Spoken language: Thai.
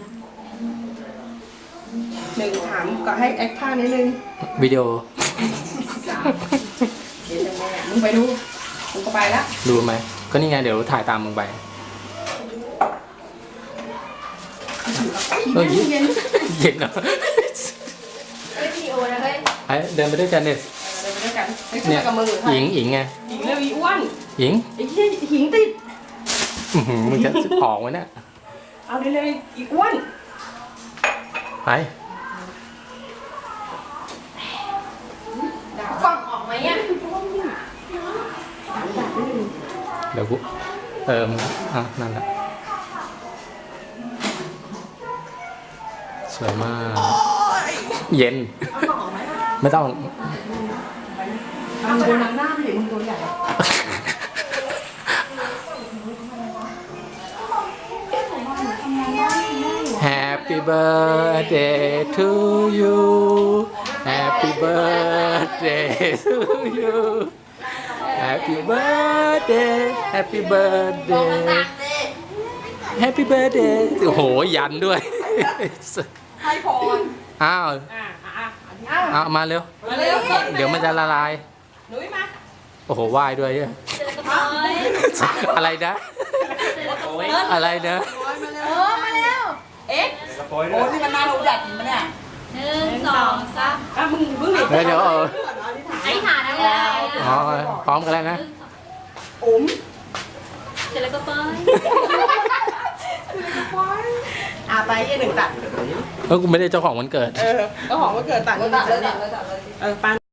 หนึ่งถามก็ให้แอคท่านิดนึงวิดีโอเดี๋ยวแม่มึงไปดูมึงก็ไปละดูไหมก็นี่ไงเดี๋ยวถ่ายตามมึงไปเฮ้ยเย็นเย็นเหรอเฮ้ยวิดีโอนะเฮ้ยไอ้เดินไปด้วยกันเนี่ยเดินไปด้วยกันไอ้เนี่ยกับมือหญิงไงหญิงเร็วอีอ้วนหญิงไอ้เหี้ยหญิงติดอื้อหือมึงจะออกไว้เนี่ยเอาเร็วๆอีอ้วนไปกล้องออกไหมอ่ะเดี๋ยวกูมึงอ่ะนั่นแหละสวยมากเย็นเอากล่องออกไหมล่ะไม่ต้องเอามึงโดนหน้าไปเห็นมึงตัวใหญ่ Happy birthday to you Happy birthday to you Happy birthday Happy birthday Happy birthday โอ้โหยันด้วยให้พรอ้าวเอาเอามาเร็วมาเร็วเดี๋ยวมันจะละลายหนุ่ยมาโอ้โหไหว้ด้วยเนี่ยเจอกระเป๋าอะไรนะ อะไรนะมาแล้วเอ๊ะโอ้ที่มันน่ารู้จักมันเนี่ยหนึ่งสองสามอ่ะมึงดิเดี๋ยวอธิษฐานนะแล้วอ๋อพร้อมกันแล้วนะอุ๋มเสร็จแล้วก็ไปไปยี่หนึ่งตัดกูไม่ได้เจ้าของวันเกิดก็หอมว่าเกิดตัดเงินเลยปัน